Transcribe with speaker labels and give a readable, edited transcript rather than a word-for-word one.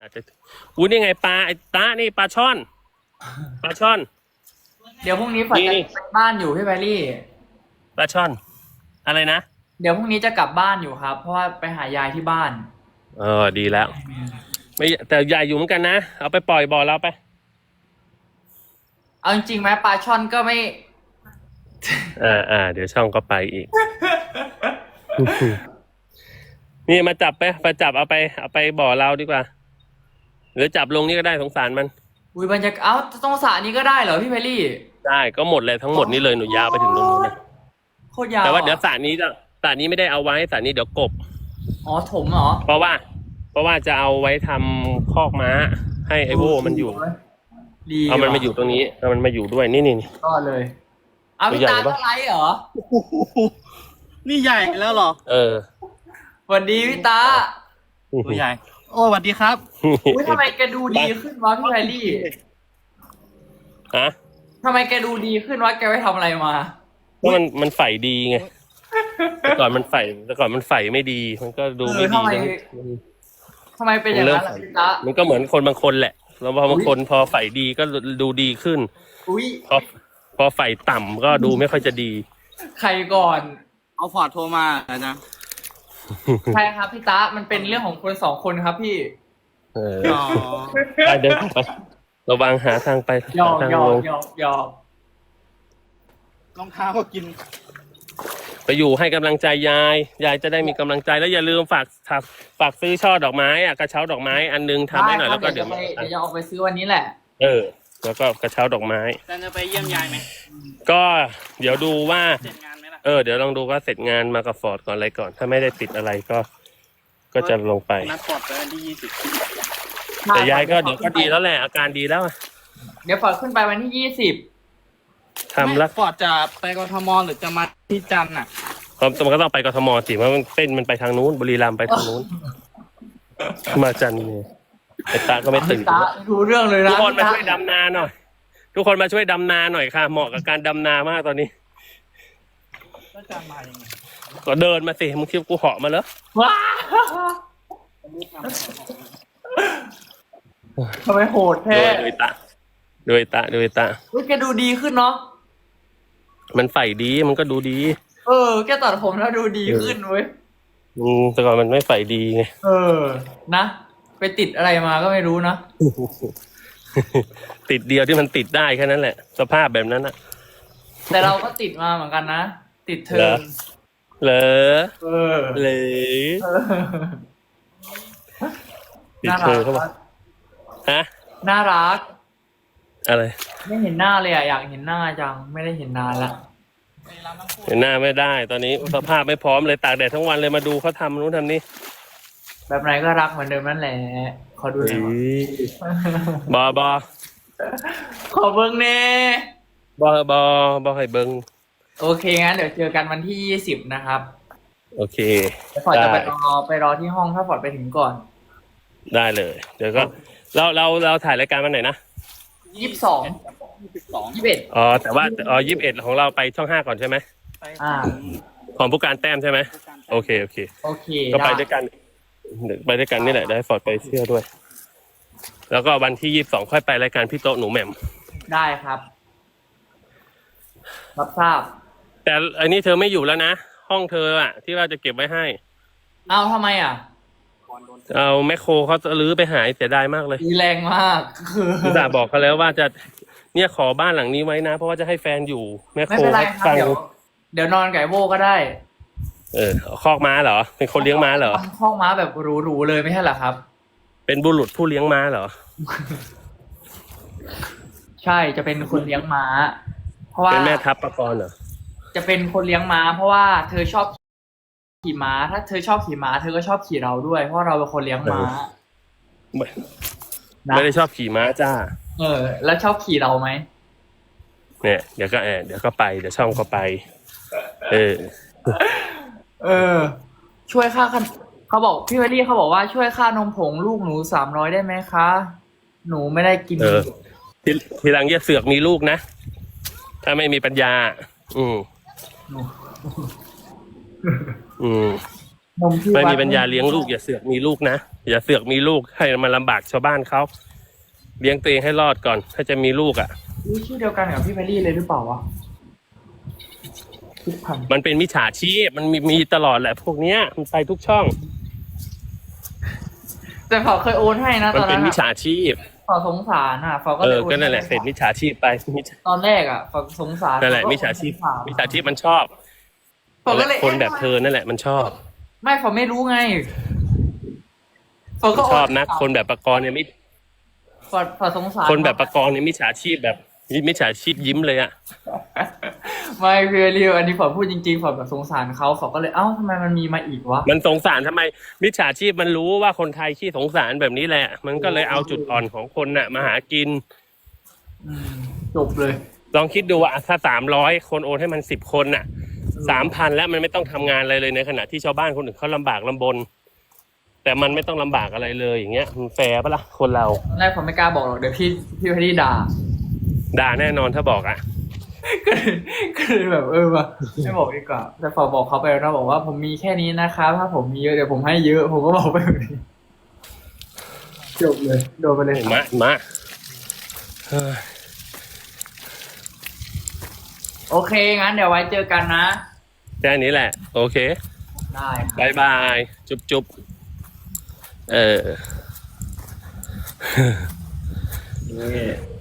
Speaker 1: อาจจะอุ้ยนี่ไงปลาไอ้ตานี่ปลาช่อนปลาช่อน
Speaker 2: เดี๋ยวพรุ่งนี้ฝนจะไปบ้านอยู่พี่แพรรี่
Speaker 1: ปลาช่อน อะไรนะ
Speaker 2: เดี๋ยวพรุ่งนี้จะกลับบ้านอยู่ครับ เพราะว่าไปหายายที่บ้าน
Speaker 1: ดีแล้ว ไม่แต่ใหญ่อยู่เหมือนกันนะเอาไปปล่อยบ่อเราไป
Speaker 2: เอาจริงๆไหมปลาช่อนก็ไม่
Speaker 1: เดี๋ยวช่องก็ไปอีก นี่มาจับไปจับเอาไปบ่อเราดีกว่า หรือจับลงนี่ก็ได้สงสารมัน
Speaker 2: อุ้ยบรรยากาศเอ้าต้องสระนี้ก็ได้เหรอพี่แพรรี่
Speaker 1: ได้ก็หมดเลยทั้งหมดนี้เลยหนูยาวไปถึงตรงนู้นนะ
Speaker 2: โคตรยาว
Speaker 1: แต่ว่าเดี๋ยวสระนี้ไม่ได้เอาไว้สระนี้เดี๋ยวกบ
Speaker 2: อ๋อถมเหรอ
Speaker 1: เพราะว่าจะเอาไว้ทำคอกม้า ให้ไอโวมันอยู่
Speaker 2: ดี
Speaker 1: เอามันมาอยู่ตรงนี้เอามันมาอยู่ด้วยนี่
Speaker 2: ก็เลยเอาพี่ตาก็ไลฟ์เหรอ
Speaker 3: นี่ใหญ่แล้วเหรอ
Speaker 2: สวัสดีพี่ตา
Speaker 3: ตัวใหญ่ โอ้สวัสดีครับ
Speaker 2: อุ้ยทำไมแกดูดีขึ้นวะพี่แพรรี่
Speaker 1: ฮะ
Speaker 2: ทำไมแกดูดีขึ้นวะแกไปทำอะไรมา
Speaker 1: เพราะมันใฝ่ดีไงแต่ก่อนมันใฝ่ไม่ดี มันก็ดูไม่ดีนะ
Speaker 2: ทำไมเป็นอย่างนั้นล่ะพี่ตา
Speaker 1: มันก็เหมือนคนบางคนแหละแล้วพอบางคนพอใฝ่ดีก็ดูดีขึ้น
Speaker 2: อุ้ย
Speaker 1: พอใฝ่ต่ำก็ดูไม่ค่อยจะดี
Speaker 2: ใครก่อน
Speaker 3: เอาฟอร์ดโทรมาอาจารย์
Speaker 2: ใช่ครับพี่ตามันเป็นเรื่องของคนสองคนครับพี่
Speaker 3: อ๋อ
Speaker 1: ไปเดินไประวังหาทางไป
Speaker 2: หยอก
Speaker 1: ทาง
Speaker 2: หยอ
Speaker 1: ล
Speaker 2: ก
Speaker 1: ง
Speaker 2: หยอกหยอก
Speaker 3: รองเท้าก็กิน
Speaker 1: ไปอยู่ให้กำลังใจยายจะได้มีกำลังใจแล้วอย่าลืมฝากซื้อช่อดอกไม้กระเช้าดอกไม้อันนึงทำให้หน่อยแล้วก็เดี๋ยว
Speaker 2: จะออกไปซื้อวันนี้แหละ
Speaker 1: แล้วก็กระเช้าดอกไม้
Speaker 3: อาจารย์จะไปเยี่ยมยายไหม
Speaker 1: ก็เดี๋ยวดูว่า
Speaker 3: เสร็จงานไหมล่ะ
Speaker 1: เดี๋ยวลองดูว่าเสร็จงานมากับฟอร์ดก่อนอะไรก่อน ถ้าไม่ได้ติดอะไรก็จะลงไป
Speaker 3: นัดฟอร์ดไปวันที่20
Speaker 1: แต่ยายก็เดี๋ยวก็ดีแล้วแหละอาการดีแล้ว
Speaker 2: เดี๋ยวฝอดขึ้นไปวันที่20
Speaker 1: ทำแล้ว
Speaker 3: ฟอร์ดจะไปกทมหรือจะมาที่จันทร์น่ะ
Speaker 1: มันก็ต้องไปกทมสิเพราะมันเส้นมันไปทางนู้นบุรีรัมย์ไปทางนู้นมาจันทร์เนี่ยไอ้ตาก็ไม่ตื่น
Speaker 2: ตารู้เรื่องเลยนะ
Speaker 1: ทุกคนมาช่วยดำนาหน่อยทุกคนมาช่วยดำนาหน่อยค่ะเหมาะกับการดำนามากตอนนี้
Speaker 3: ก็จะมายังไง
Speaker 1: ก็เดินมาสิมึงคิดว่ากูเหาะมาแล้ว
Speaker 2: ว้าทำไมโหดแท้
Speaker 1: โดยตา
Speaker 2: อุ้ยแกดูดีขึ้นเนาะ
Speaker 1: มันใฝ่ดีมันก็ดูดี
Speaker 2: แกตัดผมแล้วดูดีขึ้นเว้ย
Speaker 1: แต่ก่อนมันไม่ใฝ่ดีไง
Speaker 2: นะไปติดอะไรมาก็ไม่รู้นะ
Speaker 1: ติดเดียวที่มันติดได้แค่นั้นแหละ สภาพแบบนั้นอะ
Speaker 2: แต่เราก็ติดมาเหมือนกันนะติดเธอ
Speaker 1: เหรอ
Speaker 2: เลย
Speaker 1: ติด
Speaker 2: น่า
Speaker 1: เธ
Speaker 2: รั
Speaker 1: อก เข้ามาฮะ
Speaker 2: น่ารัก
Speaker 1: อะไร
Speaker 2: ไม่เห็นหน้าเลยอยากเห็นหน้าจังไม่ได้เห็นนานละ
Speaker 1: เห็นหน้าไม่ได้ ตอนนี้สภาพไม่พร้อมเลยตากแดดทั้งวันเลยมาดูเขาทำนู้นทำนี่
Speaker 2: แบบไหนก็รักเหมือนเดิมนั่นแหละขอดูหน่อย
Speaker 1: บอ
Speaker 2: ขอเบิ้งเน่
Speaker 1: บอให้เบิง
Speaker 2: โอเคงั้นเดี๋ยวเจอกันวันที่20นะครับ
Speaker 1: โอเค
Speaker 2: ฟอร์ดจะไปรอที่ห้องถ้าฟอร์ดไปถึงก่อน
Speaker 1: ได้เลย เดี๋ยวก็เราถ่ายรายการวันไหนนะ
Speaker 2: 22 21
Speaker 1: แต่ว่า21ของเราไปช่อง 5ก่อนใช่ไหม
Speaker 3: ไป
Speaker 1: ของผู้การแต้มใช่ไหมโอเค
Speaker 2: โอเค
Speaker 1: ก็ไปด้วยกันนี่แหละได้ฟอร์ดไปเที่ยวด้วย แล้วก็วันที่22ค่อยไปรายการพี่โต๊ะหนูแหม่ม
Speaker 2: ได้ครับรับทราบ
Speaker 1: แต่อันนี้เธอไม่อยู่แล้วนะห้องเธออะที่ว่าจะเก็บไว้ให้
Speaker 2: เอาทำไมอ่ะ
Speaker 1: เอาแมคโครเขาจะรื้อไปหายเสียดายมากเลย
Speaker 2: ดีแรงมาก
Speaker 1: อุตส่าห์บอกเขาแล้วว่าจะเนี่ยขอบ้านหลังนี้ไว้นะ เพราะว่าจะให้แฟนอยู่แมค
Speaker 2: ไม่
Speaker 1: โคร
Speaker 2: เป็นไรครับ
Speaker 1: ฟัง
Speaker 2: เดี๋ยวนอนไก่โบก็ได้
Speaker 1: คอกม้าเหรอเป็นคนเลี้ยงม้าเหรอ
Speaker 2: ทำข้องม้าแบบหรูๆเลยไม่ใช่เหรอครับ
Speaker 1: เป็นบุรุษผู้เลี้ยงม้าเหรอ
Speaker 2: ใช่จะเป็นคนเลี้ยงม้า เพราะว่า
Speaker 1: เป็นแม่ทัพปกรณ์เหรอ
Speaker 2: จะเป็นคนเลี้ยงม้า เพราะว่าเธอชอบขี่ม้า ถ้าเธอชอบขี่ม้า เธอก็ชอบขี่เราด้วย เพราะเราเป็นคนเลี้ยงม้า
Speaker 1: ไม่ได้ชอบขี่ม้าจ้า
Speaker 2: แล้วชอบขี่เราไหม
Speaker 1: เนี่ยเดี๋ยวก็ไปเดี๋ยวช่องก็ไป
Speaker 2: ช่วยค่าเขาบอกพี่เวลลี่เขาบอกว่าช่วยค่านมผงลูกหนู300ได้ไหมคะ หนูไม่ได้กิน
Speaker 1: ทีหลังอย่าเสือกมีลูกนะ ถ้าไม่มีปัญญา อืม
Speaker 2: นมที่
Speaker 1: ไม่
Speaker 2: วัด
Speaker 1: มีปัญญาเลี้ยงลูกอย่าเสือกมีลูกนะอย่าเสือกมีลูกให้มันลำบากชาวบ้านเขาเลี้ยงตัวเองให้รอดก่อน ถ้าจะมีลูกอ่ะ
Speaker 2: นี่ชื่อเดียวกันกับพี่แพรรี่เลยหรือเปล่าวะคิดพัน
Speaker 1: มันเป็นมิจฉาชีพมันมีตลอดแหละ พวกเนี้ยมันไปทุกช่อง
Speaker 2: แต่เขาเคยโอนให้นะ
Speaker 1: มั
Speaker 2: ต
Speaker 1: น
Speaker 2: อน
Speaker 1: เป็
Speaker 2: นั้น น
Speaker 1: มิจฉาชีพ
Speaker 2: เขาสงสารเขาก็เลยโอน
Speaker 1: ก็นั่นแหละ
Speaker 2: ให้
Speaker 1: เสร็จมิจฉาชีพไป
Speaker 2: ตอนแรกเขาสงสาร
Speaker 1: นั่นแหละ
Speaker 2: เขก็
Speaker 1: มิจฉาชีพ
Speaker 2: โอนให้
Speaker 1: มิจฉาชีพมันชอบ
Speaker 2: เขาก็เลย
Speaker 1: คนแบบเธอนั่นแหละมันชอบ
Speaker 2: ไม่เขาไม่รู้ไงเขาก็
Speaker 1: ชอบนะคนแบบประกรณ์เนี่ยมิ
Speaker 2: เขาสงสาร
Speaker 1: คนแบบประกรณ์เนี่ยมิจฉาชีพแบบมิจฉาชีพยิ้มเลยอ่ะ
Speaker 2: ไม่คือเรียวอันนี้ฝอพูดจริงๆฝอแบบสงสารเขาฝอก็เลยเอ้าทำไมมันมีมาอีกวะ
Speaker 1: มันสงสารทำไมมิจฉาชีพมันรู้ว่าคนไทยขี้สงสารแบบนี้แหละ มันก็เลยเอาจุดอ่อนของคนน่ะมาหากิน
Speaker 2: จบเลย
Speaker 1: ลองคิดดูว่าถ้า300 คนโอนให้มัน10 คนน่ะ 3,000 แล้วมันไม่ต้องทำงานอะไรเลยในขณะที่ชาวบ้านคนอื่นเขาลำบากลำบน แต่มันไม่ต้องลำบากอะไรเลยอย่างเงี้ยมันแฟร์ปะล่ะคนเรา
Speaker 2: ตอนแรกผมไม่กล้าบอกหรอกเดี๋ยวพี่แพรรี่ด่า
Speaker 1: ด่าแน่นอนถ้าบอกอ่ะ
Speaker 2: ก็เลยแบบว่ะไม่บอกดีกว่าแต่ฝอบอกเขาไปแล้วนะบอกว่าผมมีแค่นี้นะครับถ้าผมมีเยอะเดี๋ยวผมให้เยอะผมก็บอกไปแบบนี้จบเลยโดนไปเลย
Speaker 1: มา
Speaker 2: โอเคงั้นเดี๋ยวไว้เจอกันนะ
Speaker 1: แค่นี้แหละ โอเค
Speaker 2: ได้ครับ
Speaker 1: บายบายจุ๊บ
Speaker 2: นี่